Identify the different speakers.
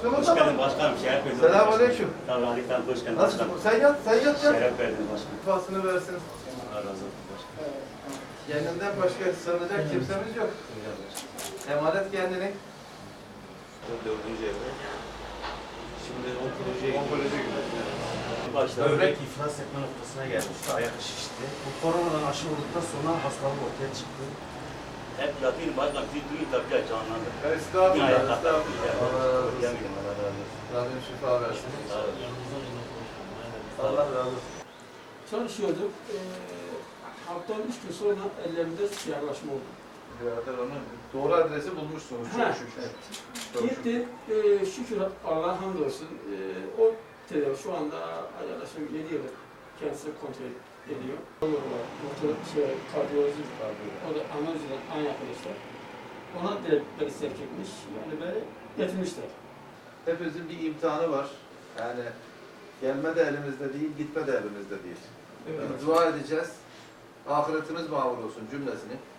Speaker 1: Hakkımız
Speaker 2: Hoş
Speaker 1: ama.
Speaker 2: geldin başkanım. Şeref verdiniz.
Speaker 1: Selamünaleyküm.
Speaker 2: Tavralıktan hoş geldin
Speaker 1: Nasıl?
Speaker 2: başkanım.
Speaker 1: Sen yat, sen yat ya.
Speaker 2: Şeref verdiniz başkanım.
Speaker 1: Fasını versin.
Speaker 2: Allah razı olsun başkanım.
Speaker 1: Kendinden başka sığınacak kimsemiz yok. Emanet kendini.
Speaker 2: Dördüncü evre. Şimdi onkolojiye
Speaker 1: Onkoloji gibi.
Speaker 2: başta
Speaker 3: Böbrek iflas etme noktasına gelmişti, ayak şişti. Bu koronadan aşı olduktan sonra hastalık ortaya çıktı.
Speaker 2: hep yatayım başkanım. Siz duyun tabii ya canlandı.
Speaker 1: Estağfurullah,
Speaker 2: Dünyaya
Speaker 1: estağfurullah. Allah razı olsun.
Speaker 2: Yemin Allah razı olsun.
Speaker 1: Rabbim şifa versin.
Speaker 2: Sağ olun.
Speaker 1: Allah razı olsun.
Speaker 4: Çalışıyorduk. Haftanın 3 gün sonra ellerimde siyahlaşma oldu.
Speaker 1: Birader onu doğru adresi bulmuşsunuz çok
Speaker 4: Ha.
Speaker 1: şükür. Çok şükür.
Speaker 4: Gitti, şükür Allah'a hamdolsun. O tedavi şu anda yaklaşık 7 yıldır kendisi kontrol ediyor. Doktor, kardiyoloji, o da analizden aynı arkadaşlar. Ona direkt beni sevk etmiş, yani beni getirmişler.
Speaker 1: Hepimizin bir imtihanı var. Yani gelme de elimizde değil, gitme de elimizde değil.
Speaker 4: Evet.
Speaker 1: Dua edeceğiz. Ahiretimiz mağur olsun cümlesini.